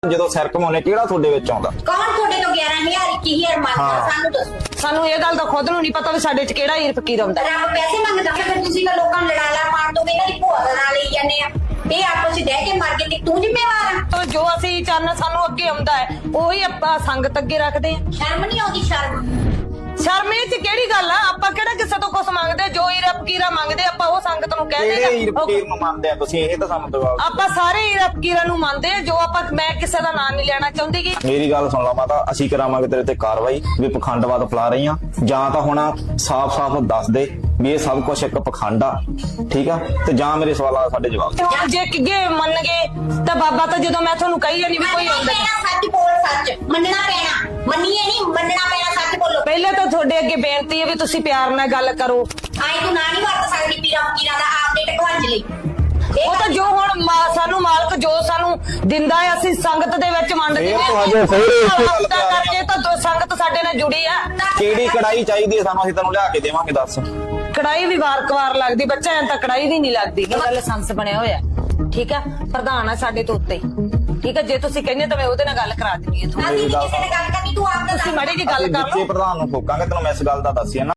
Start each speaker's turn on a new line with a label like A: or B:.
A: ਜਦੋਂ ਸਿਰ ਘਮਾਉਣੇ ਕਿਹੜਾ ਤੁਹਾਡੇ ਵਿੱਚ ਆਉਂਦਾ?
B: ਕੌਣ ਤੁਹਾਡੇ ਤੋਂ 11,000 21,000 ਮੰਗਦਾ? ਸਾਨੂੰ ਦੱਸੋ।
C: ਸਾਨੂੰ ਇਹ ਗੱਲ ਤਾਂ ਖੁਦ ਨੂੰ ਨਹੀਂ ਪਤਾ ਵੀ ਸਾਡੇ 'ਚ ਕਿਹੜਾ ਹੀਰ ਫਕੀਰ ਆਉਂਦਾ।
B: ਰੱਬ ਪੈਸੇ ਮੰਗਦਾ ਫਿਰ ਤੁਸੀਂ ਤਾਂ ਲੋਕਾਂ ਨੂੰ ਲੜਾਲਾ ਪਾਣ ਤੋਂ ਇਹਨਾਂ ਦੀ ਭੂਆ ਦਾ ਨਾਂ ਲਈ ਜਾਂਦੇ ਆ। ਇਹ ਆਪਸ ਵਿੱਚ ਡਹਿ ਕੇ ਮਰ ਗਏ ਤੇ ਤੂੰ ਜ਼ਿੰਮੇਵਾਰ ਆ।
C: ਤਾਂ ਜੋ ਅਸੀਂ ਚੰਨ ਸਾਨੂੰ ਅੱਗੇ ਆਉਂਦਾ ਹੈ ਉਹੀ ਆਪਾਂ ਸੰਗਤ ਅੱਗੇ ਰੱਖਦੇ ਆ।
B: ਸ਼ਰਮ ਨਹੀਂ ਆਉਂਦੀ?
C: ਸ਼ਰਮ ਇਹ 'ਚ ਕਿਹੜੀ ਗੱਲ ਆ? ਆਪਾਂ ਕਿਹੜਾ ਕਿਸੇ ਤੋਂ ਕੁਝ ਮੰਗਦੇ? ਜੋ ਹੀਰ ਫਕੀਰਾ ਮੰਗਦੇ ਆਪਾਂ ਉਹ ਸੰਗਤ ਨੂੰ ਕਹਿ
A: ਕਿਹੜੇ ਹੀਰ
C: ਦੇਗਾ।
A: ਫਕੀਰ ਨੂੰ ਮੰਨਦੇ ਆ ਤੁਸੀਂ? ਇਹ ਤਾਂ ਸਾਨੂੰ ਦਿਵਾਓ।
C: ਆਪਾਂ ਸਾਰੇ ਹੀਰ ਫਕੀਰਾਂ ਨੂੰ ਮੰਨਦੇ ਆ। ਜੋ ਆਪਾਂ ਮੈਂ ਕਿਸੇ ਦਾ ਨਾਂ ਨਹੀਂ ਲੈਣਾ ਚਾਹੁੰਦੀ ਗੀ।
A: ਮੇਰੀ ਗੱਲ ਸੁਣ ਲਾ ਮਾਤਾ, ਅਸੀਂ ਕਰਾਵਾਂਗੇ ਤੇਰੇ ਤੇ ਕਾਰਵਾਈ ਵੀ ਪਖੰਡਵਾਦ ਫੈਲਾ ਰਹੀ ਆ। ਜਾਂ ਤਾਂ ਹੁਣ ਸਾਫ਼-ਸਾਫ਼ ਦੱਸ ਦੇ ਵੀ ਇਹ ਸਭ ਕੁਝ ਇੱਕ ਪਖੰਡ ਆ, ਠੀਕ ਆ? ਤੇ ਜਾਂ ਮੇਰੇ ਸਵਾਲਾਂ ਦਾ ਸਾਡੇ ਜਵਾਬ ਦੇ।
C: ਹੁਣ ਜੇ ਕਿਗੇ ਮੰਨ ਗਏ ਤਾਂ ਬਾਬਾ ਤਾਂ ਜਦੋਂ ਮੈਂ ਤੁਹਾਨੂੰ ਕਹੀ ਜਾਂਦੀ ਵੀ ਕੋਈ ਆਉਂਦਾ
B: ਸੱਚ ਬੋਲ, ਸੱਚ ਮੰਨਣਾ ਪੈਣਾ। ਮੰਨੀਏ ਨਹੀਂ, ਮੰਨਣਾ ਪੈਣਾ। ਸੱਚ ਬੋਲੋ।
C: ਪਹਿਲੇ ਤਾਂ ਤੁਹਾਡੇ ਅੱਗੇ ਬੇਨਤੀ ਹੈ ਵੀ ਤੁਸੀਂ ਪਿਆਰ ਨਾਲ ਗੱਲ ਕਰੋ।
B: ਆਈ ਤੂੰ ਨਾ ਨਹੀਂ ਵਰਤ ਸਕਦੀ ਪੀਰਾਂ ਫਕੀਰਾਂ ਦਾ ਆਪਦੇ ਟਕਵਾਂਜ ਲਈ।
C: ਉਹ ਤਾਂ ਜੋ ਹੁਣ ਸਾਨੂੰ ਮਾਲਕ ਜੋ ਸਾਨੂੰ ਦਿੰਦਾ ਹੈ ਅਸੀਂ ਸੰਗਤ ਦੇ ਵਿੱਚ ਵੰਡਦੇ
A: ਇਹ ਤਾਂ ਹਜੇ ਫਿਰ ਇਸੇ ਗੱਲ ਤੇ ਆ
C: ਕਰਕੇ ਤਾਂ ਸੰਗਤ ਸਾਡੇ ਨਾਲ ਜੁੜੀ ਆ।
A: ਕਿਹੜੀ ਕੜਾਈ ਚਾਹੀਦੀ ਹੈ ਸਾਨੂੰ? ਅਸੀਂ ਤੈਨੂੰ ਲਿਆ ਕੇ ਦੇਵਾਂਗੇ, ਦੱਸ।
C: ਕੜਾਈ ਵੀ ਵਾਰ-ਵਾਰ ਲੱਗਦੀ, ਬੱਚਾ ਐਂ ਤਾਂ ਕੜਾਈ ਵੀ ਨਹੀਂ ਲੱਗਦੀ। ਇਹ ਲਾਇਸੈਂਸ ਬਣਿਆ ਹੋਇਆ, ਠੀਕ ਆ? ਪ੍ਰਧਾਨ ਆ ਸਾਡੇ ਤੋਂ ਉੱਤੇ, ਠੀਕ ਆ? ਜੇ ਤੁਸੀਂ ਕਹਿੰਦੇ ਤਾਂ ਮੈਂ ਉਹਦੇ ਨਾਲ ਗੱਲ ਕਰਾ ਦਿੰਦੀ ਹਾਂ।
B: ਅਸੀਂ ਨੀ ਕਿਸੇ ਨਾਲ ਗੱਲ ਕਰਨੀ, ਤੂੰ ਆਪ ਦਾ
C: ਤੁਸੀਂ ਮਾੜੀ ਜੀ ਗੱਲ ਕਰ
A: ਜਿੱਥੇ
C: ਲਓ।
A: ਪ੍ਰਧਾਨ ਨੂੰ ਠੋਕਾਂਗੇ, ਤੈਨੂੰ ਮੈਂ ਇਸ ਗੱਲ ਦਾ ਦੱਸਿਆ ਨਾ।